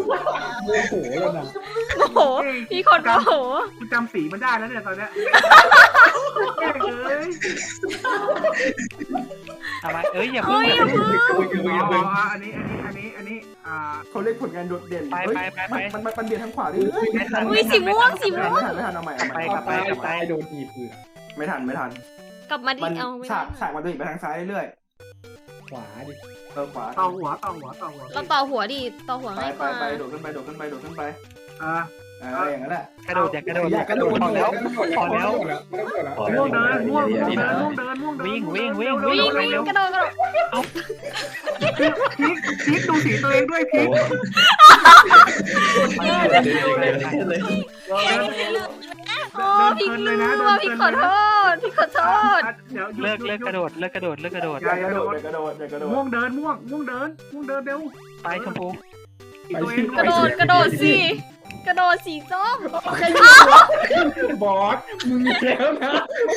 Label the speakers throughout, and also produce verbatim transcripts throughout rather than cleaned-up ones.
Speaker 1: โมโหแล้วนะ
Speaker 2: โอ้โหมีคนโอ้โห
Speaker 3: กูจำสีมันได้แล้วเนี่ยตอนเนี้ยเอ้ย
Speaker 4: ทำไมเอ้ยอย่าเพิ่
Speaker 2: เฮ้
Speaker 4: ง
Speaker 2: ยอย่าเพิ่ง
Speaker 3: อ๋ออันนี้อันนี้อันนี้อันนี้อ่า
Speaker 1: เขาเรียกผลงานโดดเด่นมันมันมันเบียดทางขวาดิ
Speaker 2: อุ้ยสีม่วงสีม่วง
Speaker 1: ไม่ทันไม่ทันเอาใหม่
Speaker 4: ไปกลับไปกลับไป
Speaker 1: โดนทีบเลยไม่ทันไม่ทัน
Speaker 2: กลับมาดิ
Speaker 1: มัน
Speaker 2: เอาไม่
Speaker 1: ฉา
Speaker 2: ได้
Speaker 1: กฉากมันจะไปทางซ้ายเรื่อยขวาดิเออขวา
Speaker 3: ต่อหัวต่อหัวต่อหัว
Speaker 2: เราต่อหัวดิต่อหัว
Speaker 1: ไป
Speaker 2: ง่ายก
Speaker 1: ไป
Speaker 2: ว่า
Speaker 1: ไปโดดขึ้นไปโดดขึ้นไปโดดขึ้นไป
Speaker 3: อ่า
Speaker 1: อะไรอย่างนั้นแหละ
Speaker 4: กระโดดอย่ากระโดด
Speaker 1: อยากกระโดด
Speaker 4: พอแล้วพอแล้ว
Speaker 3: ม่วงเดินม่วงม่วงเดินม่วงเดินม่วงเดิน
Speaker 4: วิ่งวิ่งวิ่ง
Speaker 2: วิ่งวิ่งกระโดดกระโดด
Speaker 3: พีคพีคดูสีตัวเองด้วยพีค
Speaker 2: โอ้พี่ลืมว่ะพี่ขอโทษพี่ขอโทษ
Speaker 3: เดี๋ยว
Speaker 4: เลิกเลิกกระโดดเลิกกระโดดเลิกกระโดด
Speaker 1: อย่ากระโดดอย่ากระโดดอย่ากระโดด
Speaker 3: ม่วงเดินม่วงม่วงเดินม่วงเดินเร็ว
Speaker 4: ไปชมพู
Speaker 3: ตัวเอง
Speaker 2: กระโดดกระโดดสิกระโดดสีส้ม
Speaker 1: บอสมึงแล้วนะ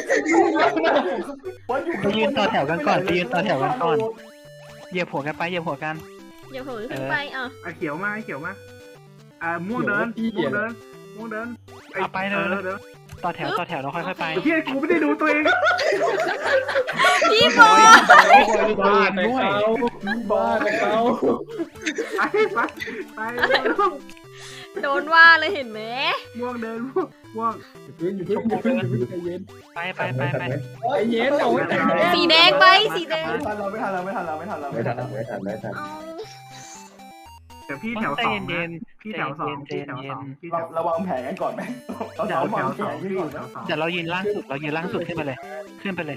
Speaker 4: ไปยืนต่อแถวกันก่อนไปยืนต่อแถวกันก่อนเหยียบหัวกันไปเหยียบหัวกัน
Speaker 2: อย่าเผลอขึ้นไปอ่ะ
Speaker 3: ไอเขียวมาไอเขียวมาอ่าม่วงเดินม่วงเดินม่วงเดิน
Speaker 4: เอาไปเลย
Speaker 3: เดิน
Speaker 4: ต่อแถวต่อแถวเราค่อยๆไป
Speaker 3: พี่กูไม่ได้ดูตัวเอง
Speaker 2: พี่บอล
Speaker 4: บ้านด้วย
Speaker 1: บ้าแต่เขา
Speaker 3: ไปไปไป
Speaker 2: โดนว่าเลยเห็นไหม
Speaker 3: ม่วงเดินม่วงม่วง
Speaker 1: อยู่พึ่งอยู่พึ่งอยู่พึ่งอยู่พึ่งใจเย็น
Speaker 4: ไปไปไปไป
Speaker 1: ใจเย็นเอาไว้
Speaker 2: สีแดงไปสีแดง
Speaker 1: ไม่ทันเราไม่ทันเราไม่ทันเราไม่ทันเราไม่ทันไม่ทันไม่ทัน
Speaker 2: เอา
Speaker 3: เดี๋ยวพี่แถว
Speaker 4: ใจ
Speaker 3: สอง
Speaker 4: เย็น
Speaker 3: พี่แถวสองพี่แถวสองพี่แถ
Speaker 1: เรา
Speaker 3: ว
Speaker 1: เราวางแผนกันก่อนไหมเรา
Speaker 3: แถ
Speaker 1: สอ
Speaker 3: ว
Speaker 1: ง
Speaker 3: แถ
Speaker 1: วาง
Speaker 3: ว
Speaker 1: แผ
Speaker 3: สอง
Speaker 1: นกัน
Speaker 3: พี่
Speaker 1: ก่อน
Speaker 3: แถวสอง
Speaker 4: เดี๋ยวเรายืนล่างสุดเรายืนล่างสุดขึ้นไปเลย ขึ้นไปเลย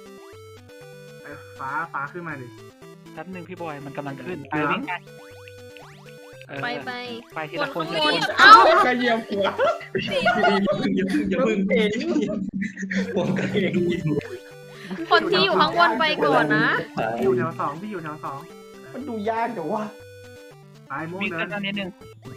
Speaker 3: ฟ้าฟ้าขึ้นมาดิ
Speaker 4: แป๊บนึงพี่บอยมันกำลังขึ้นไปวิ่งไป
Speaker 2: ไปไป
Speaker 4: ไปที
Speaker 2: บ
Speaker 4: ละ
Speaker 2: น
Speaker 4: ค
Speaker 2: ข้าน ง
Speaker 4: ที
Speaker 2: บ
Speaker 4: ละ
Speaker 2: น
Speaker 4: คน
Speaker 2: เอ้า
Speaker 1: กระเยียมหัว
Speaker 5: อย่าพึ่งอย่าพึ่งอย่าพึ่งผมก็เอง
Speaker 2: คนที่อยู่ข้างบนไปก่อนนะ
Speaker 3: พี่อยู่แถวสองพี่อยู่แถวสอง
Speaker 1: มันดูยากแต่ว่า
Speaker 3: ไปม่วง
Speaker 4: วิ่ง
Speaker 3: เดิ
Speaker 4: ขึ้
Speaker 3: น
Speaker 4: นมานิดนึง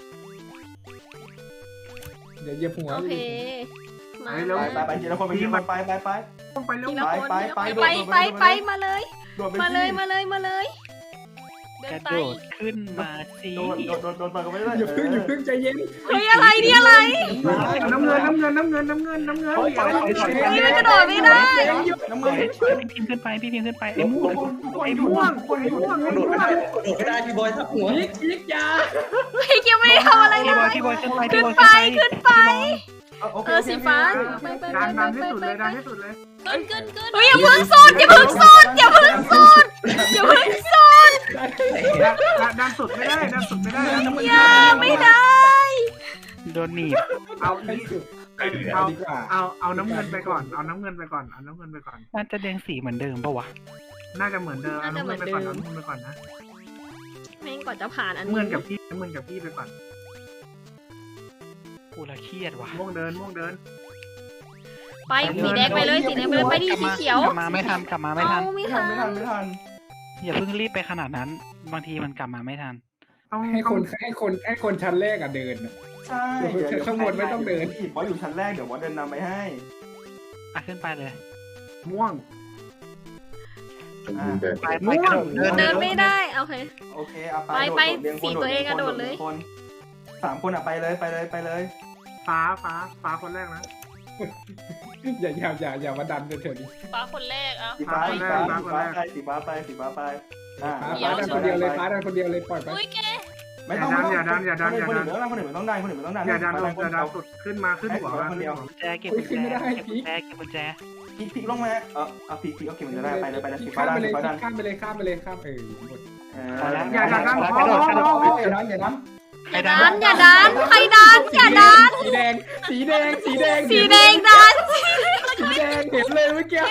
Speaker 1: เดี๋ยวเยียบหัว
Speaker 2: โอเคมา
Speaker 1: ไปไปไปทีละคนไปทีละคนไปไปไป
Speaker 3: ต้องไปเร็ว
Speaker 2: ทีละคน
Speaker 1: ไปไป
Speaker 2: ไปไปไปมาเลย
Speaker 1: โดดไป
Speaker 2: มาเลยมาเลยมาเลยเดิ
Speaker 4: ก
Speaker 2: น
Speaker 4: ระ
Speaker 2: ไป
Speaker 4: โดดขึ้นมาสิ
Speaker 1: โดดโดดโดดโดดไปก็ไม่ได้อย่าพึ่งอย่าพึ่งใจเย็น
Speaker 2: เฮ้ยอะไรเนี่ยอะไร
Speaker 3: น้ำเงินน้ำเงินน้ำเงินน้ำเงินน้ำเงิน
Speaker 1: ถอยถอยถอยถอย
Speaker 2: เฮ้ยมันกระโดดไม่ได้
Speaker 1: น้ำเงิน
Speaker 4: พี่พิมพ์ขึ้นไปพี่พิมพ์ขึ้นไปไอ้ม่วง
Speaker 3: ไอ้ม่วงไอ้ม่วง
Speaker 5: กระโดดไม่ได้กระโดดไม่ได้พี่บอยทับหัว
Speaker 1: ยิกยิกยา
Speaker 2: พี่เกียวไม่ได้ทำอะไรเล
Speaker 4: พี่บอย
Speaker 2: ย
Speaker 4: พี่บอยขึ้นไป
Speaker 2: ขึ้
Speaker 4: พี่
Speaker 2: น
Speaker 4: บอย
Speaker 2: ไปขึ้นไป
Speaker 1: โอเค
Speaker 2: เออสีฟ้าไปไปไป
Speaker 3: ดัน
Speaker 2: ไป
Speaker 3: ดันให้
Speaker 2: ไป
Speaker 3: สุด
Speaker 2: ไป
Speaker 3: เลยดันให้สุดเลย
Speaker 2: เกินเกินเกินเฮ้ยอย่าเพิ่งสุดอย่าเพิ่งสุดอย่าเพิ่งสุดอย่าเพิ่งสุด
Speaker 3: ดันดันสุดไม่ได้ดันสุดไม่ได้
Speaker 2: อย่าไม่ได้
Speaker 4: โดนหนีบ
Speaker 3: เอา
Speaker 1: ให้สุด
Speaker 3: เอา
Speaker 1: ดีกว่า
Speaker 3: เอาเอาน้ำเงินไปก่อนเอาน้ำเงินไปก่อนเอาน้ำเงินไปก่อน
Speaker 4: น่าจะแดงสีเหมือนเดิมปะวะ
Speaker 3: น่าจะเหมือนเดิมเอาน้ำเงินไปก่อนเอาน้ำเงินไปก่อนนะ
Speaker 2: แม่งก่อนจะผ่านอัน
Speaker 3: น้ำ
Speaker 2: นี้
Speaker 3: เงินกับพี่น้ำเงินกับพี่ไปก่อน
Speaker 4: กูละเครียดว่ะ
Speaker 3: ม่วงเดินม่วงเดิน
Speaker 2: ไปสีแดงไปเลยสีแดงไปเลยไปดิสีเขียว
Speaker 4: กลับมาไม่ทันกลับมาไม่ทัน
Speaker 2: เอาไม่
Speaker 1: ไม่
Speaker 2: ทั
Speaker 1: ทั
Speaker 2: น
Speaker 1: นไม่ทันไม่ทัน
Speaker 4: อย่าเพิ่งรีบไปขนาดนั้น บางทีมันกลับมาไม่ทัน
Speaker 3: ต้อง
Speaker 6: ให้คนให้คนให้คนชั้นแรกอะเดินอะ
Speaker 1: ใช่บอสอยู่ชั้นแรกเดี๋ยวบอสเดินนำไปให้
Speaker 4: อ่ะขึ้นไปเลย
Speaker 3: ม่วง
Speaker 4: ไปไปกระโดดเดิน
Speaker 2: เดินไม่ได้โอเค
Speaker 1: โอเคเอาไปคนสามคนอ่ะไปเลยไปเลยไปเลย
Speaker 3: ฟ้าฟ้าฟ้าคนแรกนะ
Speaker 6: อย่าอย่าอย่าอย่ามาดันเฉยๆดิ
Speaker 2: ฟ้าคนแรกอ่ะ
Speaker 1: สีฟ้าสีฟ้าสีฟ้าไปสีฟ้าไปสีฟ้าไปอ่า
Speaker 6: ฟ้าฟ้าดันคนเดียวเลยฟ้าดันคนเดียวเลยปล่อยไป
Speaker 2: อุ้ยแก
Speaker 1: ไม่ต้องคนอื่นไม่ต้องดันคนอื่นไม่ต้องดัน
Speaker 3: อย่าดันลงอย่าดันสุดขึ้นมาขึ้นหัวมา
Speaker 1: คนเดียว
Speaker 4: กุญแจเก็บกุญแจเก็บกุญแจเก็บกุญแจ
Speaker 1: พีพีลงมาเออเอาพีพีโอเคมันจะได้ไปเลยไปเลยสีฟ้า
Speaker 6: ข้าม
Speaker 1: ดัน
Speaker 6: ไปเลย
Speaker 1: สีฟ้าดัน
Speaker 6: ข้ามไปเลยข้ามไปเลยข้ามเออหมด
Speaker 1: อย่าดันอย่าดันอย่าดัน
Speaker 2: อย่าดันอย่าดันใครดันอย่าดัน
Speaker 6: สีแดงสีแดงสีแดง
Speaker 2: สีแดงดัน
Speaker 6: สีแดงเห็นเลยเมื่อกี้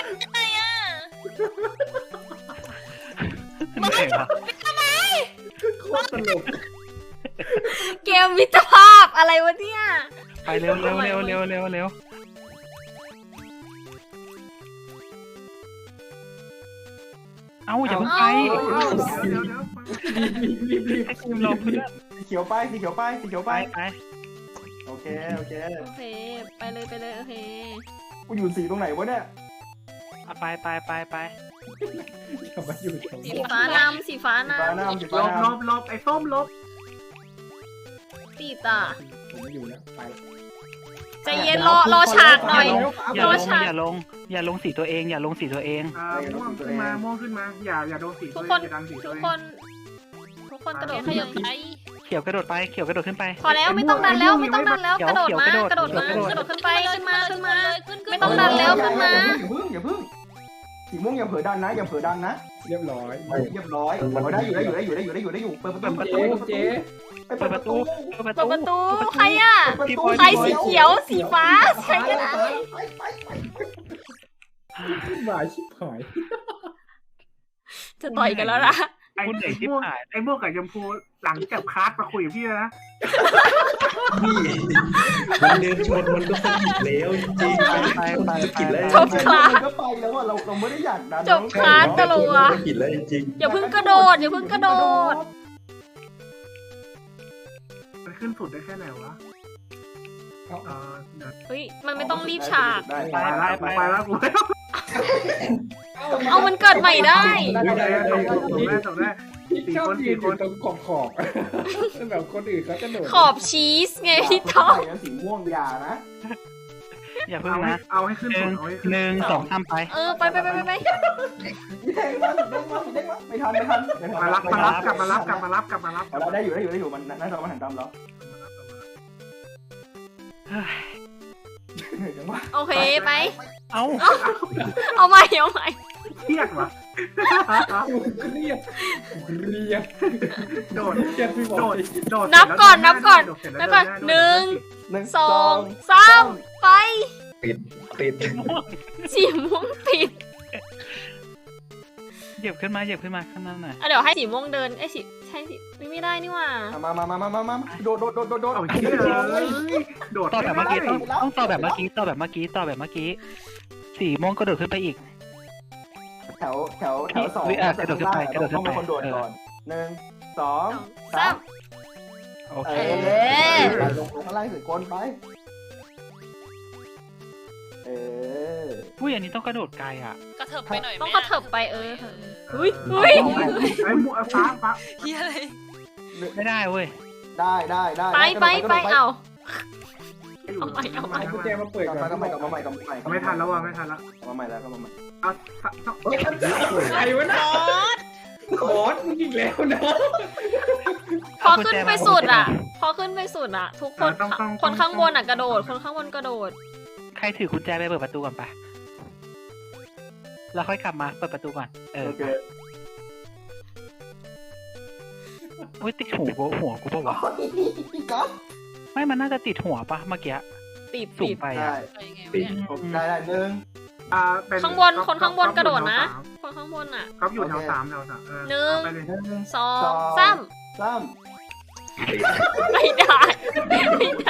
Speaker 4: เหนื่อยว่ะ
Speaker 6: โคตรตลก
Speaker 2: เกมมิตรภาพอะไรวะเนี่ย
Speaker 4: ไปเร็วเร็วเร็วเร็วเร็วเร็วเอ้าอย่าเพิ่งไป
Speaker 3: เดี๋ยวเดี๋ยวเดี๋ยว
Speaker 6: รีบรีบรีบ
Speaker 4: ให้ทีมรอเพื่อน
Speaker 1: สีเขียวไปสีเขียวไปสีเขียว
Speaker 4: ไป
Speaker 1: ไป
Speaker 4: ไป
Speaker 1: โอเคโอเค
Speaker 2: โอเคไปเลยไปเลยโอเค
Speaker 1: กูอยู่สีตรงไหนวะเนี่ย
Speaker 4: เอาไปไปไปไป
Speaker 6: กลับมาอยู่ตรง
Speaker 2: สีฟ้านำสีฟ้า
Speaker 1: สีฟ้าน
Speaker 2: ำ
Speaker 1: ำสี
Speaker 3: ล
Speaker 1: ฟ้า
Speaker 3: บล
Speaker 1: นำ
Speaker 3: บลบไอ้ส้มลบ
Speaker 2: ติดอ่ะ
Speaker 6: ผมไม่อยู่แล้วไป
Speaker 2: ใจเย็นรอรอฉากหน่อย
Speaker 4: อย่าลง
Speaker 2: รอฉาก
Speaker 4: อย่าลงอย่าลงสีตัวเองอย่าลงสีตัวเอง
Speaker 3: อ่าม่วงขึ้นมาม่วงขึ้นมาอย่าอย่าโดนสี
Speaker 2: ทุก
Speaker 3: ตัว
Speaker 2: คน
Speaker 3: เองอย่าดันสีตั
Speaker 2: ทุ
Speaker 3: ว
Speaker 2: ก
Speaker 3: เอง
Speaker 2: คน ทุกคนกระโดดขยับไป
Speaker 4: เขียวกระโดดไปเขียวกระโดดขึ้นไป
Speaker 2: พอแล้วไม่ต้องดันแล้วไม่ต้องดันแล้วกระโดดมากระโดดมาก
Speaker 4: เขียว
Speaker 2: ระโดดขึ้นไปขึ้นมาขึ้นมา
Speaker 7: ขึ้น
Speaker 2: ไม่ต้องดันแล้วขึ้นมา
Speaker 1: อย่าเพิ่งอย่าเพิ่งสีม่วงอย่าเผลอดันนะอย่าเผลอดันนะ
Speaker 6: เรียบร้อย
Speaker 1: เรียบร้อยได้อยู่ได้อยู่ได้อยู่ได้อยู่ได้อยู่ได้อยู่เปิดประตู
Speaker 6: เจ๊เจ๊
Speaker 1: เปิดประตู
Speaker 4: เปิดประ
Speaker 2: เปิด
Speaker 4: ตู
Speaker 2: ประตูใครอ่ะ ใครสีเขียวสีฟ้าใครก็ได้
Speaker 6: หวายชิบหาย
Speaker 2: จะต่อยกันแล้วนะ
Speaker 3: ไอ้ไอ้ม่วงไอ้ม่วงกับชมพูหลังจากคลาสมาคุยกับพี่แล้วนะ
Speaker 5: พี่มันเดินชนมันก็สะกิดแล้วจริง
Speaker 4: ไปไป
Speaker 5: สะ
Speaker 4: ไป
Speaker 5: กิดแล้ว
Speaker 2: จบคลาส
Speaker 1: ก็ไปแล้วว่าเราเราไม่ได้อยากดัน
Speaker 2: จบคลาสกะลัว
Speaker 5: สะกิดแล้วจริง
Speaker 2: อย่าเพิ่งกระโดดอย่าเพิ่งกระโดด
Speaker 3: มันขึ้นสุดได้แค่ไหนวะเออเดี๋ยว
Speaker 2: เฮ้ยมันไม่ต้องรีบฉาก
Speaker 1: ได้
Speaker 3: ไปแล้วไปแล้วกู
Speaker 2: เอามันเกิดใหม่ได้
Speaker 3: ได้ได้ได้จบได้จบได้
Speaker 6: พี่ชอบยืนอยู่ตรงขอบขอบแบบคนอื่นเขาจะโดด
Speaker 2: ขอบชีสไงพี่ท็อป
Speaker 1: สีม่วงยานะ
Speaker 4: อย่าเพิ่ง
Speaker 3: เอาให้
Speaker 4: นะ
Speaker 3: เอาให้ขึ้น
Speaker 4: ห
Speaker 3: สุ
Speaker 4: นึ่
Speaker 3: ด
Speaker 4: ง
Speaker 3: เอาให้ขึ้น
Speaker 4: หนึ่งสองสามไป
Speaker 2: เออไปไปไปไปไป
Speaker 1: เด้งมาเด้งมาเด้งมาไม่ทันไม่ทัน
Speaker 3: มารับมารับกลับมารับกลับมารับกลับมารับ
Speaker 1: เราได้อยู่ได้อยู่ได้อยู่มันน่าจะมาหันตามเราจังหวะ
Speaker 2: โอเคไป
Speaker 4: เอ้า
Speaker 2: เอาใหม่เอาใหม่
Speaker 3: เครียดว่ะ
Speaker 6: เรียบเรียบ
Speaker 3: โดด
Speaker 6: เรียบพี่บอ
Speaker 3: โด
Speaker 6: ล
Speaker 3: ดโดด
Speaker 2: นับก่อนนับก่อนนับก่อนหนึ่ง
Speaker 1: หนึ่ง
Speaker 2: สองสามไป
Speaker 5: ติดติด
Speaker 2: สีม่วงติด
Speaker 4: เหยียบขึ้นมาเหยียบขึ้นมาข้างหน้าหน่อย
Speaker 2: อ่ะเดี๋ยวให้สีม่วงเดินไอ้สีใช่สิไม่ได้นี่หว่า
Speaker 1: มามามามามามาโดดโดดโดดโดดโดด
Speaker 3: เอาเชี่ยเลยโดด
Speaker 4: ต่อแบบเมื่อกี้ต้องต้องต่อแบบเมื่อกี้ต่อแบบเมื่อกี้ต่อแบบเมื่อกี้สีม่วงกระโดดขึ้นไปอีก
Speaker 1: แถวแถวแถวสอง
Speaker 4: กระโดดขึ้นไปกระโดดขึ้
Speaker 1: ต้อน ง
Speaker 4: ไป
Speaker 1: เป็นคนโดดก่อนหนึ่งสอง
Speaker 2: สา
Speaker 1: สาม ม
Speaker 4: โอ
Speaker 1: เอ
Speaker 4: เค
Speaker 1: อลงข้างล่างสุดคนไปเออ
Speaker 4: อุ้ยอันนี้ต้องกระโดดไกลอ่ะ
Speaker 7: กระเถิบไปหน่อย
Speaker 2: ต้องกระเถิบไปเอออุ้ยอุ้ย
Speaker 3: ไอ้หมูฟ้าฟ้า
Speaker 7: เฮียอะไร
Speaker 4: ไม่ได้เว้ย
Speaker 1: ได้ได้ได้
Speaker 2: ไปไปไปเอาเอาใหม่เอาใหม่
Speaker 6: กุญแจมาเปิด
Speaker 1: กลับ
Speaker 6: ก่อน
Speaker 1: มากลับมาใหม่กลับมาใหม่กลับมาใหม่
Speaker 3: ไม่ทันแล้วว่ะไม่ทันแล้ว
Speaker 1: กลับมาใหม่แล้วกลับมาใหม่
Speaker 3: เอา
Speaker 6: ใครวะนะบอสมึงอีกแล้วนะ
Speaker 2: พอขึ้นไปสุดอ่ะ พอขึ้นไปสุดอ่ะ ทุกคนคนข้างบนอ่ะกระโดด คนข้างบนกระโดด
Speaker 4: ใครถือกุญแจไปเปิดประตูก่อนปะแล้วค่อยกลับมาเปิดประตูก่อนเออ
Speaker 1: โอเค
Speaker 4: อุ้ยติดหูกูหัวกูปะวะ
Speaker 1: พี่ก๊อฟ
Speaker 4: ไม่มันน่าจะติดหัวปะเมื่อกี้
Speaker 2: ติด
Speaker 4: สู
Speaker 2: ติ
Speaker 4: ง
Speaker 2: ด
Speaker 4: ไป
Speaker 1: ได้
Speaker 4: อ่ะ
Speaker 7: ไปยังไงวะเนี่ย
Speaker 1: ได้ได้หนึ่ง
Speaker 3: อ่าเป็น
Speaker 2: ข้างบน คนข้างบนกระโดดนะ คนข้างบนอ่ะ
Speaker 3: ก๊อฟอยู่แถวสามแถวสามเออไปเลย
Speaker 1: หนึ่ง
Speaker 2: สองสาม
Speaker 1: สาม
Speaker 2: ไม่ได้ไม่ได้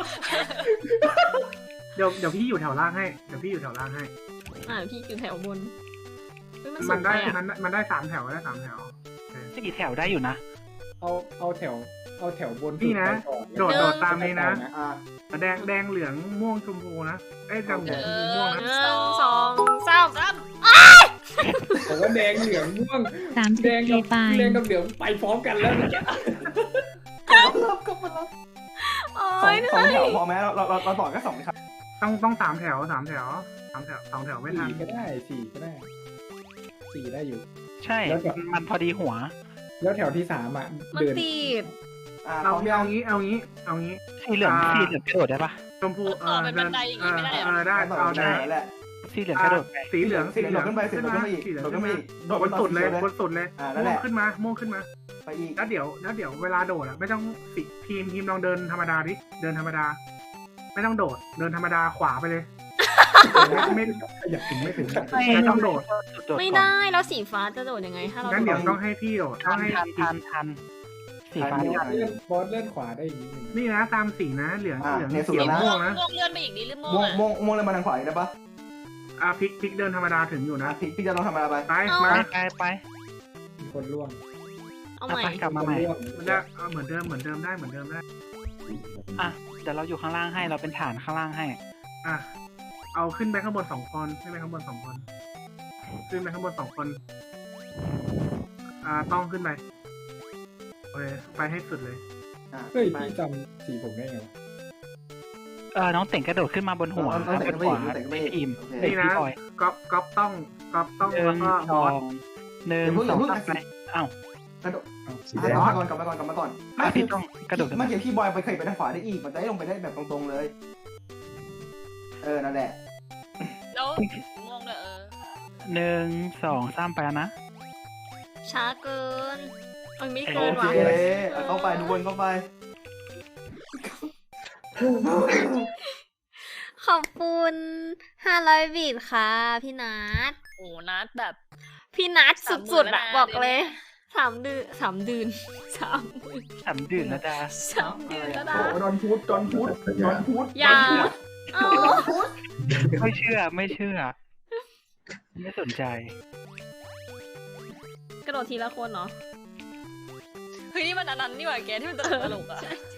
Speaker 3: เดี๋ยวเดี๋ยวพี่อยู่แถวล่างให้เดี๋ยวพี่อยู่แถวล่างให้
Speaker 2: อ่าพี่อยู่แถวบนเฮ้ยมันสู
Speaker 3: มัน
Speaker 2: ง
Speaker 3: ได้
Speaker 2: ไปอ่ะ
Speaker 3: มันมันได้สามแถวได้สามแถว
Speaker 4: สี่แถวได้อยู่นะ
Speaker 6: เอาเอาแถวเอาแถวบน
Speaker 3: นี่นะ โดดโดดตามนี้นะ
Speaker 1: อ่า
Speaker 3: แดงแดงเหลืองม่วงชมพูนะเอ้ยแดงเหลืองชมพูม่วง
Speaker 2: ห
Speaker 3: นะ
Speaker 2: นึ่งสองสาม
Speaker 7: ซ้
Speaker 6: แต่ว่าแดงเหลืองม่วง
Speaker 8: สามสิ
Speaker 6: แด
Speaker 8: บ
Speaker 6: ง
Speaker 8: ปี
Speaker 6: กับ
Speaker 8: ไป
Speaker 6: แดงกับเหลืองไปพร้อมกันแล้วเมื่อกี้
Speaker 1: กลับมารับกลับมารับ
Speaker 2: โอ้
Speaker 1: สอง
Speaker 2: ยเห
Speaker 1: สอง
Speaker 2: นื่
Speaker 1: แถ
Speaker 2: อ
Speaker 1: วย พอไหมเราเราเราต่อแค่สองครับ
Speaker 3: ต้องต้องสามแถวสามแถวสามแถวสองแถวไม่ทัน
Speaker 6: สี่ก็ได้สี่ก็ได้สี่ได้อยู่
Speaker 4: ใช่
Speaker 6: แล้วก็
Speaker 4: มันพอดีหัว
Speaker 6: แล้วแถวที่สามอ่ะ
Speaker 2: มัน
Speaker 6: เดิน
Speaker 2: ติด
Speaker 1: อ่า
Speaker 3: เอา
Speaker 1: พร้อมยั
Speaker 3: เอา
Speaker 1: ง
Speaker 3: งี้เอางี้เอางี้
Speaker 4: สีเหลืองสีเหลืองกระโดดได้ปะ
Speaker 3: ชมพูเออเดินเออเออได้
Speaker 1: ต่อ
Speaker 3: เอา
Speaker 1: ได้
Speaker 3: ได้
Speaker 1: แหละ
Speaker 4: สีเหลืองกระโดดไป
Speaker 3: สีเหลือง
Speaker 1: สีเหลืองขึ้นไปสีเหลืองขึ้นไปอีก
Speaker 3: สีเหลือง
Speaker 1: โดดขึ้นไปอีกโดด
Speaker 3: บ
Speaker 1: ไป
Speaker 3: น
Speaker 1: ต่อ
Speaker 3: สุดเลย
Speaker 1: สี
Speaker 3: บนสุดเลย
Speaker 1: อ่านั่นแห
Speaker 3: ม่ว
Speaker 1: ละ
Speaker 3: งขึ้นมาม่วงขึ้นมา
Speaker 1: ไปอีก
Speaker 3: แล้วเดี๋ยวแล้วเดี๋ยวเวลาโดดอ่ะไม่ต้องสิทีมทีมลองเดินธรรมดาดิเดินธรรมดา ไม่ต้องโดดเดินธรรมดาขวาไปเลยไม่ไม่อยากถึงไม่ถึงไม่ต้องโดด
Speaker 2: ไม่ได้แล้วสีฟ้าจะโดดยังไงถ้าเรา
Speaker 3: งั้น
Speaker 2: โด
Speaker 3: เดี๋ยว
Speaker 2: ด
Speaker 3: ต้องให้พี่โดดต้
Speaker 4: ทั
Speaker 3: อง
Speaker 4: น
Speaker 3: ให้
Speaker 4: ทันทันทันสีฟ้า
Speaker 6: บอ
Speaker 4: ทัน
Speaker 6: สเลื่อนบอสเลื่อนขวาได้อีกนิดนึง
Speaker 3: นี่นะตามสีนะเหลือง
Speaker 1: อ่า
Speaker 3: เหลือง
Speaker 1: เนี่ยสุด
Speaker 3: เขียว
Speaker 1: แล้วนะ
Speaker 3: ม่วงนะ
Speaker 7: ม่วงเลื่อนไปอีกนิดหรือม่ว
Speaker 1: ม่ว
Speaker 7: ง
Speaker 1: งม่วงม่วงเลยมาทางขวาอีกได้ปะ
Speaker 3: อ่ะพลิกพลิกเดินธรรมดาถึงอยู่
Speaker 1: อ่ะ
Speaker 3: นะ
Speaker 1: พี่พี่จะลองทำอะไรไป
Speaker 3: ไป
Speaker 4: ไป
Speaker 3: มา
Speaker 4: ไปไป
Speaker 6: มีคนร่วง
Speaker 2: เอาใหม่
Speaker 4: ไปกลับมาใหม่
Speaker 6: ร่วง
Speaker 3: มันได้เอาเหมือนเดิมเหมือนเดิมได้เหมือนเดิมได้
Speaker 4: อ่ะเดี๋ยวเราอยู่ข้างล่างให้เราเป็นฐานข้างล่างให้
Speaker 3: อ่ะเอาขึ้นไปข้างบนสองคนขึ้นไปข้างบนสองคนขึ้นไปข้างบนสองคน อ่าต้องขึ้นไปโอเคไปให้สุดเลย
Speaker 1: อ่ะ
Speaker 6: เฮ้ย
Speaker 1: ไป
Speaker 6: พี่จำสีผมได้ไงวะ
Speaker 4: เออน้องเต่งกระโดดขึ้นมาบนหัว
Speaker 1: น้องเต่ง
Speaker 4: บน
Speaker 1: ขึ้นมาอีก
Speaker 4: ขวา
Speaker 1: น้องเต่งขึ้นมาอีก
Speaker 4: พิมพ์
Speaker 1: โอเค
Speaker 4: เอ้ย
Speaker 3: นี่นะ
Speaker 4: พี่บอย
Speaker 3: ก๊อปก๊อปต้องก๊อปต้อง
Speaker 4: หนึ่
Speaker 3: แล้ว
Speaker 4: ง
Speaker 3: ก็
Speaker 4: ส
Speaker 3: บ
Speaker 4: อ
Speaker 3: อส
Speaker 4: งหนึ่ง
Speaker 1: อย่าเพิ่ง
Speaker 4: ส
Speaker 1: อย่า
Speaker 4: อง
Speaker 1: เพิ่ง
Speaker 4: สามไปอ้าว
Speaker 1: กระโดด
Speaker 5: สี
Speaker 1: อ่ะ
Speaker 5: แด
Speaker 1: ก
Speaker 5: ง
Speaker 1: ลับมาก่อนกลับมาก่อนกลับมาก่อน
Speaker 4: อ่ะ
Speaker 1: ไม่คื
Speaker 4: พี่
Speaker 1: อ
Speaker 4: ต้องกระโดดขึ้น
Speaker 1: เมื่
Speaker 4: มา
Speaker 1: อกี้พี่บอยไปเคยไปทางขวาได้อีกมันจะได้ลงไปได้แบบตรงๆเลย เออนั่นแหละ
Speaker 2: แล้วงงเลยเออ
Speaker 4: หนึ่งสองสามไปแล้วนะ
Speaker 2: ช้าเกินเอ้ยไม่
Speaker 1: โอ
Speaker 2: เกิน
Speaker 1: เค
Speaker 2: ว่ะ
Speaker 1: เอาเข้าไปทุกคนเข้าไป
Speaker 2: ขอบคุณห้าร้อยบีทค่ะ พี่นัทโอ้นัทแบบ พี่นัทสุดๆอะบอกเลยสามเดือนสามเดือนสามเดือน
Speaker 4: สามดื่นนะจ๊ะ
Speaker 2: สามเดือนแล้วนะ
Speaker 1: โอ้ดอนพุธดอนพุธดอนพุธ
Speaker 2: อย่าเอา
Speaker 1: ดอนพุธ
Speaker 4: ไม่เชื่อไม่เชื่อ ไม่สนใจ
Speaker 2: กระโดดทีละคนเนาะ
Speaker 7: เฮ้ยนี่มันอันนั้นนี่หว่าแกที่มันตลกตลกอ่ะ
Speaker 2: ใช่ใช่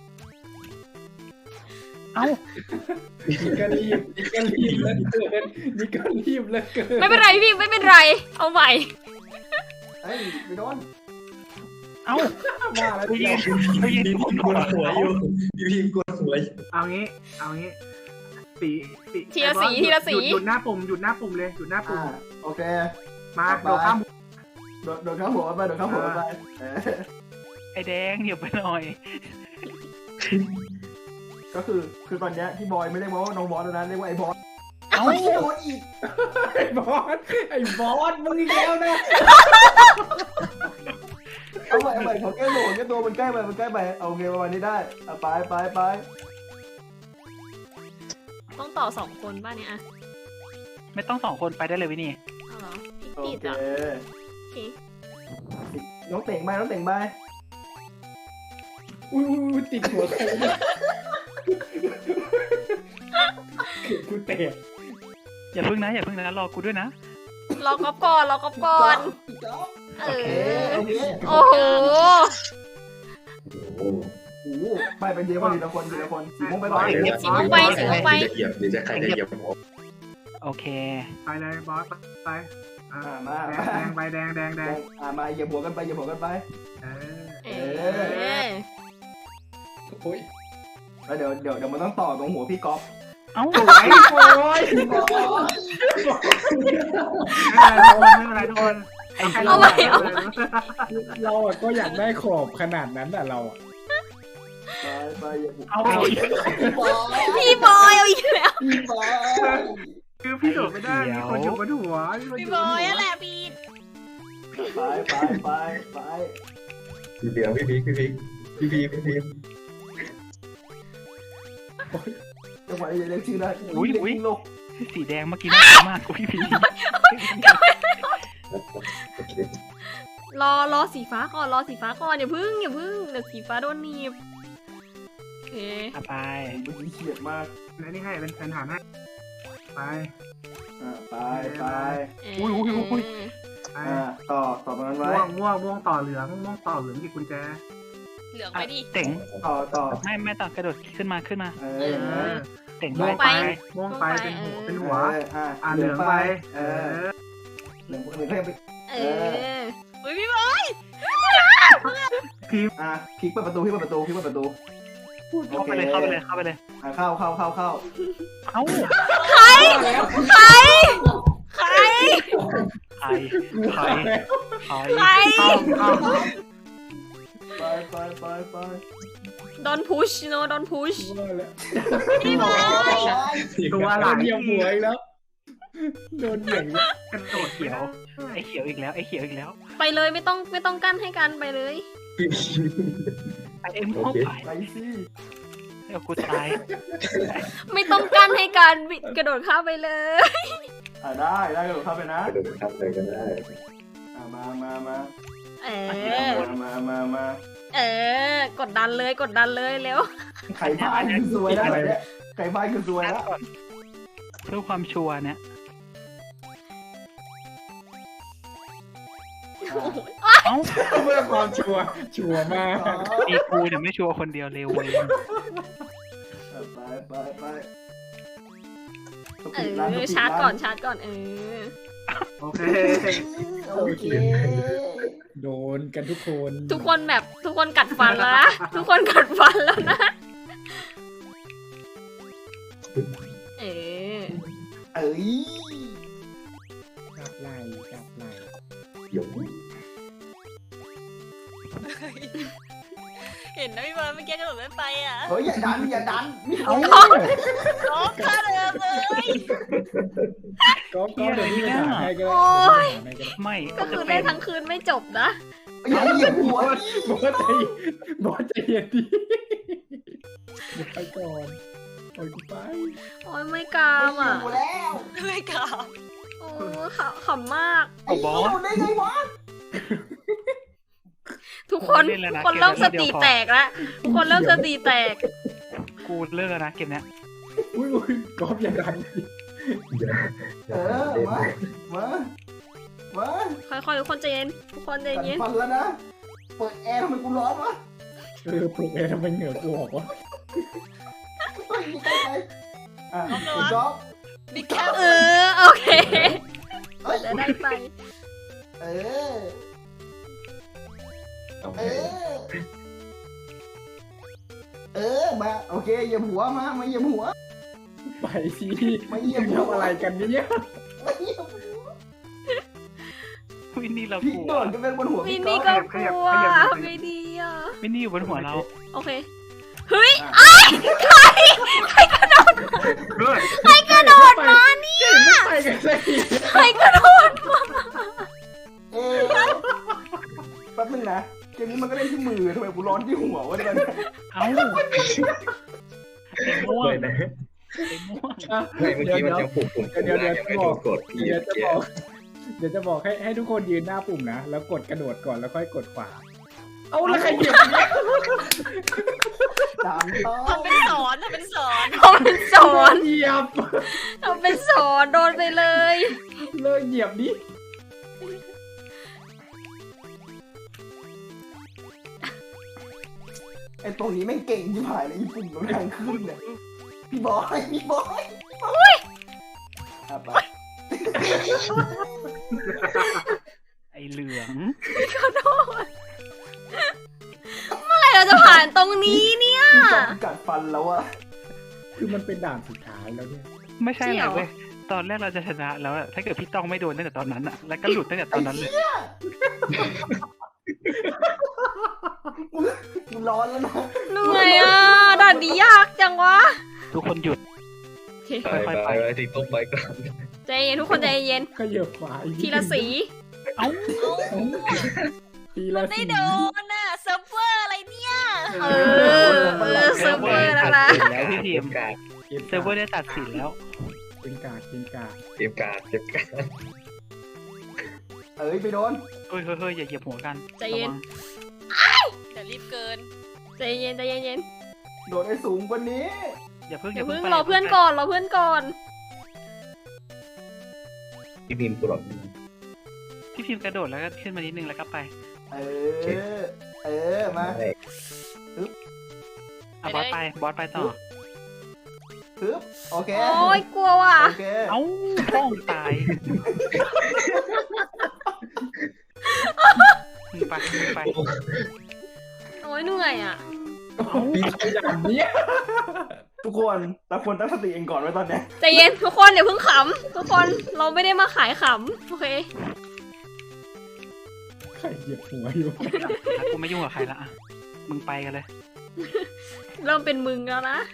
Speaker 4: เอ้า
Speaker 6: นี่ก็รีบนี่ก็รีบแล้วเกินนี่ก็รีบแล้วเกิน
Speaker 2: ไม่เป็นไรพี่ไม่เป็นไร เอาใหม่
Speaker 1: เฮ้ยไปโดน
Speaker 4: เอ้า
Speaker 6: มาแล้ว
Speaker 4: ไป
Speaker 6: พี่
Speaker 4: ยืนไปยืน
Speaker 5: พี่
Speaker 4: บ
Speaker 5: พิ
Speaker 4: น
Speaker 5: ม
Speaker 4: หัว
Speaker 5: กดหัวอยู่พี่พิมกดหัวอยู่
Speaker 3: เอางี้ เอางี้ สีสี
Speaker 2: ทีละสี
Speaker 3: ไอ้บอส
Speaker 2: ทีละสี
Speaker 3: หยุดหยุดหน้าปุ่มหยุดหน้าปุ่มเลยหยุดหน้าปุ่
Speaker 1: อ่าม โอเค
Speaker 3: มา
Speaker 1: ไป
Speaker 3: โดดข้าม
Speaker 1: โดดโดดข้ามหัวไปโดดข้ามหัวไปเออ
Speaker 4: ไอแดงเหยียบไปหน่อย
Speaker 1: ก็คือคือตอนเนี้ยที่บอยไม่เรียกว่าน้องบอสแล้วนะเรียกว่าไอ้บอส
Speaker 4: เอ้า
Speaker 1: ไอ้บอสอีก
Speaker 6: ไอ้บอสไอ้บอสมึงอีกแล้วนะ
Speaker 1: เอาใหม่เอาใหม่ขอแก้ตัวขอแก้ตัวมันใกล้ไปมันใกล้ไปโอเคประมาณนี้ได้เอาไปไปไป
Speaker 2: ต้องต่อสองคนบ้านเนี้ยอะ
Speaker 4: ไม่ต้องสองคนไปได้เลยวินี่
Speaker 2: เอาเหรอ
Speaker 1: โอ
Speaker 2: พี่
Speaker 1: เค
Speaker 2: ติดอ่ะโอเค
Speaker 1: น้องเต่งไปน้องเต่งไป
Speaker 6: อุ้ยอุ้ยติดหัวใครเนี่ยเกิดกูแตก
Speaker 4: อย่าพึ่งนะอย่าพึ่งนะรอกูด้วยนะ
Speaker 2: รอกอบก่อนรอกอบก่อน เอ
Speaker 1: โอเค
Speaker 2: อ
Speaker 1: โอเค
Speaker 2: โอ้โห
Speaker 5: โอ้
Speaker 1: โอ้โหไปเป็นเดียวคนทีละคนทีละคนสีม่วงไปก่อน
Speaker 2: สีม่วงไปสีม่วงไป
Speaker 5: จะเหยียบหรือจะใครจะเหยียบผม
Speaker 4: โอเค
Speaker 3: ไปเลยบอสไปอ่ะ
Speaker 1: อ่ามา
Speaker 3: แด
Speaker 1: มาง
Speaker 3: แดงไปแดงแดงแดง
Speaker 1: อ่ามาเหยียบหัวกันไปเหยียบหัวกันไป
Speaker 3: เออ
Speaker 2: เออ
Speaker 6: โอ้ย
Speaker 1: แล้วเดี๋ยวเดี๋ยวเดี๋ยวมันต้องต่อตรงหัวพี่ก๊อฟ
Speaker 4: เอ้า
Speaker 6: โอ้ยโอ้ย
Speaker 3: ไม่เป็นไรทุกคนไม่เป็นไรทุกคน
Speaker 2: เอาใหม่เอา
Speaker 3: ใหม่
Speaker 6: เราอะก็อยากได้ขอบขนาดนั้นอะเราอะ
Speaker 1: ไปไปเหยียบหัว
Speaker 4: เอาเอาอีก
Speaker 2: พี่บอยเอาอีกแล้ว
Speaker 1: พี่บอย
Speaker 3: คือพี่โดดไม่ได้มีคนอยู่บนหัวมีคนอ
Speaker 7: พี่
Speaker 3: ยู่
Speaker 7: บบ
Speaker 3: น
Speaker 7: อ
Speaker 3: หั
Speaker 7: ยว นั่นแหละพี่
Speaker 1: ไปไปไปไป
Speaker 5: พี่เดียวพี่พิกพี่พิกพี่พิกพี่พิก
Speaker 1: จังหวะนี้เรียกชื่อได้เรียกชื่อโลก
Speaker 4: สีแดงเมื่อกี้น่ากลัวมากกูพี่พี
Speaker 5: โอเค
Speaker 2: รอรอสีฟ้าก่อนรอสีฟ้าก่อนอย่าพึ่งอย่าพึ่งเดี๋ยวสีฟ้าโดนหนีบโอเค
Speaker 4: เอาไป
Speaker 1: เมื่อกี้เฉียดมาก
Speaker 3: และนี่ให้เป็นเป็นฐานให้ไป
Speaker 1: อ่าไปไป
Speaker 2: เออ
Speaker 4: อุ้ยอุ้ยอุ้ย
Speaker 3: ไป
Speaker 1: อ่าต่อต่อตรงนั้นไว้
Speaker 3: ม่วงม่วงม่วงต่อเหลืองม่วงต่อเหลืองกี่กุญแจ
Speaker 7: เหลืองไปดิ
Speaker 4: เต่ง
Speaker 1: ต่อต่อ
Speaker 4: ไม่ไม่ต้องกระโดดขึ้นมาขึ้นมา
Speaker 1: เอ
Speaker 3: เอ
Speaker 1: อ
Speaker 3: อ
Speaker 4: เต่ง
Speaker 3: ม่วง
Speaker 4: ไป
Speaker 3: ไปม่วงไปเป็นหัวเป็นหัว
Speaker 1: อ่า
Speaker 3: อ่าเหลืองไป
Speaker 1: เอ
Speaker 3: เอ
Speaker 1: อ
Speaker 3: อ
Speaker 1: เหลืองเหลืองก็ยังไป
Speaker 2: เออ
Speaker 7: เฮ้ยพี่บอย
Speaker 1: อ่ะคลิกเปิดประตูคลิกเปิดประตูคลิกเปิดประตู
Speaker 4: เข้าไปเลยเข้าไปเลยเข้าไปเลย
Speaker 1: อ่ะเข้าเข้าเข้าเข้า
Speaker 4: เอ้า
Speaker 2: ใครใครใคร
Speaker 4: ใครใครใคร
Speaker 2: ใคร
Speaker 3: เข้าเข้า
Speaker 1: ไปไปไปไป
Speaker 2: โดนพุชโนโดนพุช
Speaker 6: ว่าแล้ว
Speaker 7: พี่บอย
Speaker 3: ตัวห
Speaker 6: โด
Speaker 3: ลัง
Speaker 6: นเหยียบหัวอีกแล้วโดนเหยียบอีกแล้ว
Speaker 3: กระโดด
Speaker 4: เขียวไอ้เขียวอีกแล้วไอ้เขียวอีกแล้ว
Speaker 2: ไปเลยไม่ต้องไม่ต้องกั้นให้กันไปเลย
Speaker 5: พี่พิก
Speaker 4: ไอ้เอ็มเข้าไป
Speaker 1: ไปสิ
Speaker 4: เดี๋ยวกูตาย
Speaker 2: ไม่ต้องกั้นให้กันบิดกระโดดข้ามไปเลย
Speaker 1: อ่ะได้ได้กระโดดเข้าไปนะ
Speaker 5: กระโดดข้ามเลยก็ได้
Speaker 1: อ่ะมามามา
Speaker 2: เออ
Speaker 1: มามามา
Speaker 2: เออกดดันเลยกดดันเลยเร็ว
Speaker 1: ไข่พายคือสวยนะแบบเนี้ยไข่พายคือสวย
Speaker 4: นับ
Speaker 1: นะ
Speaker 4: ก่อนเพื่อความชัวร์เนี่ยเอ้า
Speaker 6: เพื่อความชัวร์ชัวร์มาก
Speaker 4: มีกูเนี่ยไม่ชัวร์คนเดียวเร็วเว้ย
Speaker 1: ไปไปไป
Speaker 2: เออชาร์จก่อนชาร์จก่อนเออ
Speaker 3: โอเค
Speaker 1: โอเค
Speaker 6: โดนกันทุกคน
Speaker 2: ทุกคนแบบทุกคนกัดฟันแล้วนะทุกคนกัดฟันแล้วนะเออ
Speaker 1: เอ้ย
Speaker 6: จับไหลจับไหล
Speaker 5: เดี๋ยว
Speaker 7: เห็นนะพี่บอลเมื่อกี้กระโดดไม่ไปอ่ะ
Speaker 1: เฮ้ยอย่าดันอย่าดันมี
Speaker 6: เอา
Speaker 7: ร้องกระเดิมเลย
Speaker 6: ก็ก็เดี๋ยวนี้ไม่หาใครก็ได้
Speaker 4: ไม่
Speaker 2: ก็คือเล่นทั้งคืนไม่จบนะ
Speaker 1: อย่าเหยียบหัว
Speaker 6: บอกว่าใจบอกว่าใจเย็นดีเดี๋ยวไปก่อนโอ้ยกูไป
Speaker 2: โอ้ยไม่กล้ามอ่ะ
Speaker 1: หัวแล้ว
Speaker 7: ไม่กล้า
Speaker 2: โอ้ขำขำมาก
Speaker 1: ไอ้เหี้ยได้ไงวะ
Speaker 2: ทุกคนทุกคนเริ่มสติแตกแล้วทุกคนเริ่มสติแตก
Speaker 4: กูเลิกแล้วนะเกมเนี้ย
Speaker 6: อุ้ยอุ้ยกอล์ฟอย่าดัน
Speaker 1: เออมามามา
Speaker 2: ค่อยๆทุกคนใจเย็นทุกคนใจ
Speaker 1: กัด
Speaker 2: เย็น
Speaker 1: ฟันแล้วนะเปิดแอร์ทำไมกูร้อนวะ
Speaker 6: เออปลุกเองทำไมเหงื่อกูออกวะ
Speaker 1: เฮ้ยใกล้ๆอ่ะคุณจ๊อบ
Speaker 7: บิ๊กแคป
Speaker 2: เออโอเค
Speaker 1: เอ้ย
Speaker 2: จะได้ไป
Speaker 1: เออเออเออมาโอเคเหยียบหัวมามาเหยียบหัว
Speaker 6: ไปสิ
Speaker 1: มาเหยียบหัว
Speaker 6: ทำอะไรกันเนี่ย
Speaker 1: มาเหยียบหัว
Speaker 4: วินนี่เรา
Speaker 1: พี่
Speaker 4: กลัว
Speaker 1: โดดกันเป็นบนหัว
Speaker 2: วิ
Speaker 1: พี่
Speaker 2: น
Speaker 1: ก๊
Speaker 2: นี่
Speaker 1: อฟ
Speaker 2: ก็กลัวทำไงดีอ่ะ
Speaker 4: วินนี่อยู่บนหัวเรา
Speaker 2: โอเคเฮ้ย
Speaker 3: เฮ้ย
Speaker 2: ใครกระโดดมาเนี่ย
Speaker 6: ไม่ไปกันสักที
Speaker 2: ใครกระโดดมา
Speaker 1: เอ๊ะแป๊บนึงนะเกมนี้มันก็เล่นที่มือทำไมกูร้อนที่หัววะเนี่ย
Speaker 4: เอ้าไอ้ม่วง
Speaker 5: เลยนะ
Speaker 4: ไอ้ม่วง
Speaker 5: ไม่เมื่อกี้มันยังปุ่มปุ่ม
Speaker 6: เดี๋ยวเดี๋ยว
Speaker 5: ยังไม่โดนกดพี่
Speaker 6: เดี๋ยว
Speaker 5: เมื่อ
Speaker 6: จะ
Speaker 5: กี้
Speaker 6: บอกเดี๋ยวจะบอกให้ให้ทุกคนยืนหน้าปุ่มนะแล้วกดกระโดดก่อนแล้วค่อยกดขวาเอาแล้วใครเหยียบเนี่ย
Speaker 1: สามต้อ
Speaker 7: ทำเป็นสอนทำเป็นสอน
Speaker 2: เขาเป็นสอน
Speaker 6: เหยียบ
Speaker 2: เขาเป็นสอนโดนไปเลย
Speaker 6: เลิกเหยียบดิ
Speaker 1: ไอ้ตรงนี้แม่งเก่งที่ผ่านเลยญี่ปุ่นมันทางขึ้นเนี่ยพี่บอยพี่บอยอ่ะไป
Speaker 4: ไอ้เหลือง
Speaker 2: เมื่อไหร่เราจะผ่านตรงนี้เนี่ย
Speaker 1: พี่จอมกัดฟันแล้วอะ
Speaker 6: คือมันเป็นด่านสุดท้ายแล้วเนี่ย
Speaker 4: ไม่ใช่
Speaker 2: จริง
Speaker 4: เล
Speaker 2: เหร
Speaker 4: ย
Speaker 2: อ
Speaker 4: เว้ยตอนแรกเราจะชนะแล้วอะถ้าเกิดพี่ต้องไม่โดนตั้งแต่ตอนนั้นอะแล้วก็หลุดตั้งแต่ตอนนั้นเลย
Speaker 1: กูร้อนแล้วนะ
Speaker 2: เหนื่อยอ่ะด่านนี้ยากจังวะ
Speaker 4: ทุกคนหยุด
Speaker 5: ไปไปไปที่ต้นไม้ก่อน
Speaker 2: ใจเย็นทุกคนใจเย็น
Speaker 6: ขยับขวาอีก
Speaker 2: ทีละสี
Speaker 4: เอ้า
Speaker 6: ทีละ
Speaker 7: ไม่
Speaker 6: สี
Speaker 7: โดนน่ะเซิร์ฟเวอร์อะไรเนี่ย
Speaker 2: เออเออเซิร์ฟเวอร์แล้วนะ
Speaker 4: แล้วพี่ทีม
Speaker 5: การ
Speaker 4: เซิร์ฟเวอร์ได้ตัดสินแล้ว
Speaker 6: เป็นการเป็นการ
Speaker 5: เก็บการเก็บการ
Speaker 1: เอ้ยไปโดน
Speaker 4: เฮ้ยเฮ้ยเฮ้ยอย่าเหยียบหัวกัน
Speaker 2: ใจเย็น
Speaker 4: ระวัง
Speaker 7: เดี๋ยวรีบเกิน
Speaker 2: ใจเย็นใจเย็นใจเย็น
Speaker 1: โดดให้สูงกว่านี้
Speaker 4: อย่าเพิ่ง
Speaker 2: เดี๋ยว
Speaker 4: ไป
Speaker 2: เพิ่งรอเพื่อนก่อนรอเพื่อนก่อน
Speaker 5: พี่พิมพ์กรด
Speaker 4: พี่พิมพ์กระโดดแล้วก็ขึ้นมานิดนึงแล้วก็ไป
Speaker 1: เออเออมา
Speaker 4: อ่ะบอสไปบอสไปต่อ
Speaker 1: ปึ๊บโอเค
Speaker 2: โอ้ยกลัวว่ะ
Speaker 1: โอเค
Speaker 4: เอ้าพ้องตายมึงไปมึงไป
Speaker 2: โอ้ยเหนื่อยอ่ะ
Speaker 6: อย่างเนี้ย
Speaker 1: ทุกคนเราควรตั้งสติเองก่อนไว้ตอนเนี้ย
Speaker 2: ใจเย็นทุกคนเดี๋ยวเพิ่งขำทุกคนเราไม่ได้มาขายขำโอเค
Speaker 6: ใครเหยียบหัวอยู่
Speaker 4: แล้วกูไม่ยุ่งกับใครละอ่ะมึงไปกันเลย
Speaker 2: เริ่มเป็นมึงแล้วนะ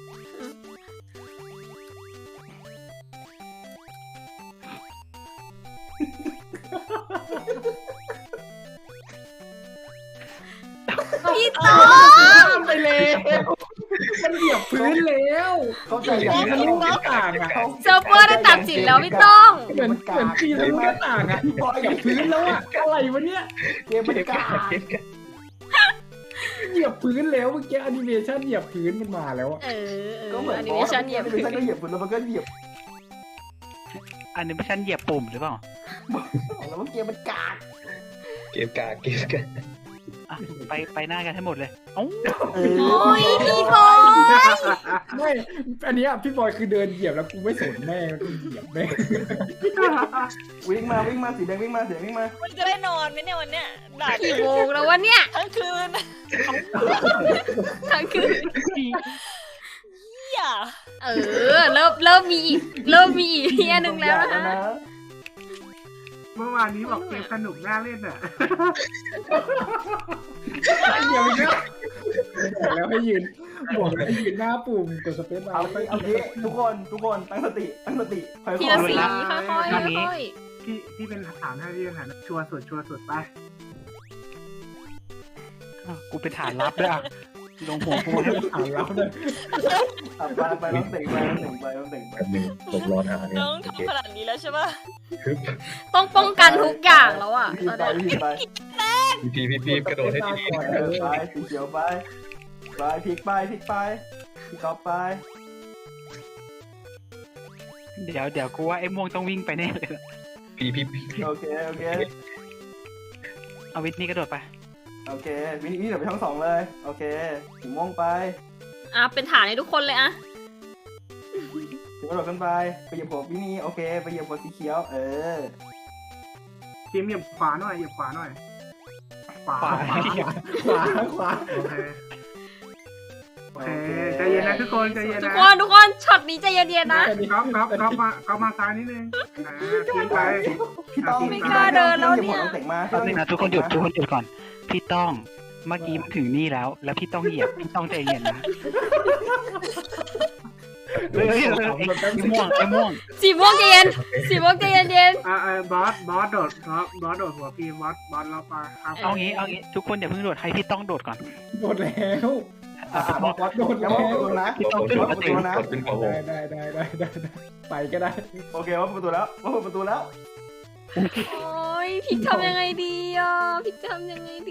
Speaker 2: พี่ต๊อ
Speaker 6: ข้ามไปแล้วมันเหยียบพื้นแล้ว
Speaker 1: เข้าใจ
Speaker 6: ปี
Speaker 1: อย่าง
Speaker 6: ทะลุหน้าต่างอ่ะ
Speaker 2: เซิร์ฟเวอร์ได้ตัดสินแล้วพี่ต้อง
Speaker 6: เหมือนเหมือนปีทะลุหน้าต่างอ่ะเหยียบพื้นแล้วอ่ะอะไรวะเนี่ย
Speaker 1: เกมมัน
Speaker 5: เก็บ
Speaker 1: กา
Speaker 5: การเก็บการ
Speaker 6: เหยียบพื้นแล้วเมื่อกี้แอนิเมชันเหยียบพื้นมันมาแล้วอ่ะ
Speaker 2: เออเอ
Speaker 1: ก็
Speaker 2: อ
Speaker 1: เหมือน
Speaker 2: อันนี้ไม่ใช่เหยียบ
Speaker 1: พื้
Speaker 2: พื้
Speaker 1: น
Speaker 2: น
Speaker 1: ก็เหยียบพื้นแล้วมันก็เหยียบ
Speaker 4: อันนี้ไม่ใช่เหยียบปุ่มหรือเปล่า
Speaker 1: แล้วมันเกมมันกาก
Speaker 5: เก็บการเก็บการ
Speaker 4: อ่ะไปไปหน้ากันให้หมดเลยเอ้า
Speaker 1: เอ
Speaker 2: โอ้ย
Speaker 1: อ
Speaker 2: พี่บอย
Speaker 6: ไม่อันเนี้ยพี่บอยคือเดินเหยียบแล้วกูไม่สนแม่งกูเหยียบแม่ง
Speaker 1: วิ่งมาวิ่งมาสีแดงวิ่งมาสีแดงวิ่งมา
Speaker 7: มันจะได้นอนไหมเนี่ยวันเนี้ยด่า
Speaker 2: กี่โมงแล้ววะเนี่ย
Speaker 7: ทั้งคืน
Speaker 2: ทั้งคืน
Speaker 7: อย่า
Speaker 2: เออ เริ่มเริ่มมีอีก เริ่มมีอีกเฮียหนึ่งแล้วนะคะ
Speaker 3: เมื่อวานนี้บอกเกมสนุกน่าเล่นอ่ะ
Speaker 6: เหยียบเยอะบอกแล้วให้ยืนบอกให้ยืนหน้าปุ่มกดสเปซบา
Speaker 1: เอา
Speaker 6: ร์แล้ว
Speaker 1: เอา
Speaker 6: ก็
Speaker 1: งี้ทุกคนทุกคนตั้งสติตั้งสติค่อยๆ
Speaker 2: ทีละสี
Speaker 1: นะ
Speaker 2: ค่อยๆค่อย
Speaker 3: ที่ที่เป็นถามให้ที่เป็นถามชัวร์สุดชัวร์สุดไป
Speaker 4: อ้าวกูเป็นฐานลับด้วยอ่ะลงหัวกูให้
Speaker 6: ถามเราเลย
Speaker 1: อ่ะไปไปต้องเต่งไปต้องเต่งไปต้องเต่งไป
Speaker 5: แป๊บนึงผมรอหาเนี่ย
Speaker 7: น้อง
Speaker 5: โอเค
Speaker 7: ทำขนาดนี้แล้วใช่ป่ะ
Speaker 2: ๆต้องป้องกันทุกอย่างแล้วอ่ะ
Speaker 1: พี่
Speaker 2: ตอน
Speaker 1: ไป
Speaker 2: เนี้ย
Speaker 1: พี่ไป
Speaker 5: พี่พี่พี่กระโดดให้ดี
Speaker 6: ก่อน
Speaker 1: เอ
Speaker 6: เอ
Speaker 1: อ
Speaker 6: อ
Speaker 1: ไปสีเขียวไปไปพลิกไปพลิกไปพี่ก๊อฟไป
Speaker 4: เดี๋ยวเดี๋ยวกูว่าไอ้ม่วงต้องวิ่งไปแน่เลยล่ะ
Speaker 5: ๆพี่พี่พี่
Speaker 1: โอเคโอเค
Speaker 4: เอาวิทนี่กระโดดไป
Speaker 1: โอเควินี่เดี๋ยวไปทั้งสองเลย โอเคสีม่วงไป
Speaker 2: อ่ะเป็นฐานให้ทุกคนเลยอ่ะ
Speaker 1: ถึงกระโดดขึ้นไปไปเหยียบหัววินี่โอเคไปเหยียบหัวสีเขียวเออ
Speaker 3: ทีมเหยียบขวาหน่อยเหยียบขวาหน่อยขวา
Speaker 4: ขวา
Speaker 3: ขวา
Speaker 6: ขวาขวา
Speaker 3: โอเคโอเคใจเย็นนะทุกคนใจเย็น
Speaker 2: ทุก
Speaker 3: นะ
Speaker 2: คนทุกคนช็อตนี้ใจเย็นๆนะ
Speaker 3: ก๊อฟก๊อฟก๊อฟมาก๊อฟมาซ้ายนิดนึงอ่าทีมไป
Speaker 1: พี่ต้อง
Speaker 2: ไม่กล้าเดินแล้วเนี่ย
Speaker 1: พี่ต้องเต่งมา
Speaker 4: แป๊บนึงนะทุกคนหยุดทุกคนหยุดก่อน พี่ต้องเมื่อกี้มันถึงนี่แล้ว แล้วพี่ต้องเหยียบพี่ต้องใจเย็นนะเฮ้ยเฮ้ยเฮ้ยไอ้ไอ้ม่วงไอ้ม่วง
Speaker 2: สีม่วงใจเย็นสีม่วงใจเย็น
Speaker 3: อ่าเออบอสบอสโดดบอสบอสโดดหัวพีมบอสบอสเราไปครับ
Speaker 4: เอางี้เอางี้ทุกคนอย่าเพิ่งโดดให้พี่ต้องโดดก่อน
Speaker 6: โดดแล้ว
Speaker 1: อ่ะอ่ะบอก
Speaker 6: วัดโดด
Speaker 1: ยั
Speaker 6: แล้
Speaker 1: ง
Speaker 6: ว
Speaker 1: ไม่ประตูนะ
Speaker 4: พี่ต้อง
Speaker 1: ยัง
Speaker 4: โด
Speaker 1: ไม่
Speaker 4: ด
Speaker 1: ประตูนะ
Speaker 5: กดขึ้นขวาผม
Speaker 6: ได้ได้ได้ได้ได้ไปก็ได้
Speaker 1: โอเคว่าประตูแล้วว่าประตูแล้ว
Speaker 2: ๆ โอ้ยพี่ทำยังไงดีอ่ะพี่ทำยังไงดี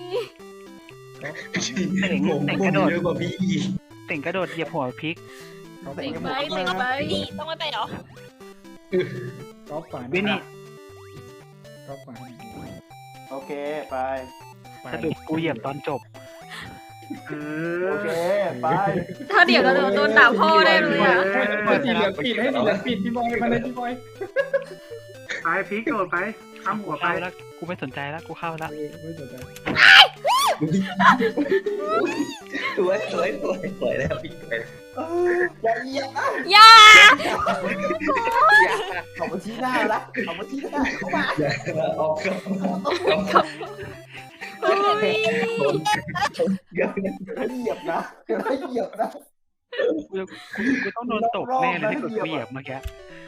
Speaker 4: เต่ง
Speaker 5: ผม
Speaker 4: เต่ง
Speaker 5: ผ
Speaker 4: กระ
Speaker 5: ม
Speaker 4: โดด
Speaker 5: เยอะกว่าพี่อีก
Speaker 4: เต่งกระโดดเหยียบหัวพลิก
Speaker 1: ต้อง
Speaker 2: เต่
Speaker 1: เต่ง
Speaker 2: ง
Speaker 1: กับ
Speaker 2: ไป
Speaker 1: หมวก
Speaker 2: เต่งไป
Speaker 7: พี่ต้องไม่ไปเหรอ
Speaker 6: ก๊อฟฝัน
Speaker 4: วินี่
Speaker 6: ก๊อฟฝัน
Speaker 1: โอเคไป
Speaker 4: สะดุดกูเหยียบตอนจบ
Speaker 3: เอ
Speaker 1: โอ
Speaker 3: อ
Speaker 1: เคไป
Speaker 2: ถ้าเดี๋ยวเราโดนด่าพ่อได้เลยอ่ะ
Speaker 6: ให้สีเหลืองปิดให้สีเหลืองปิดพี่บอยมาเลยพี่บอย
Speaker 3: ไปพลิกโดดไปข้ามหัวไป
Speaker 4: เข้าแล้วกูไม่สนใจแล้วกูเข้าแล้ว
Speaker 6: ไม่สนใจ
Speaker 5: สวยสวยสวยสวยแล้วพี่สวย
Speaker 1: เอออย่าเหยียบนะ
Speaker 2: อย่า
Speaker 1: เอามาชี้หน้าละเอามาชี้หน้าเข้ามา
Speaker 5: ออกก็
Speaker 2: โอ้ย
Speaker 5: เดี๋ยว
Speaker 1: เดี๋ยวให้เหยียบนะเดี๋ยวให้เหยียบนะ
Speaker 4: กูกูกูต้องโดนตกแน่เลยถ้าเกิดกูเหยียบเมื่อกี้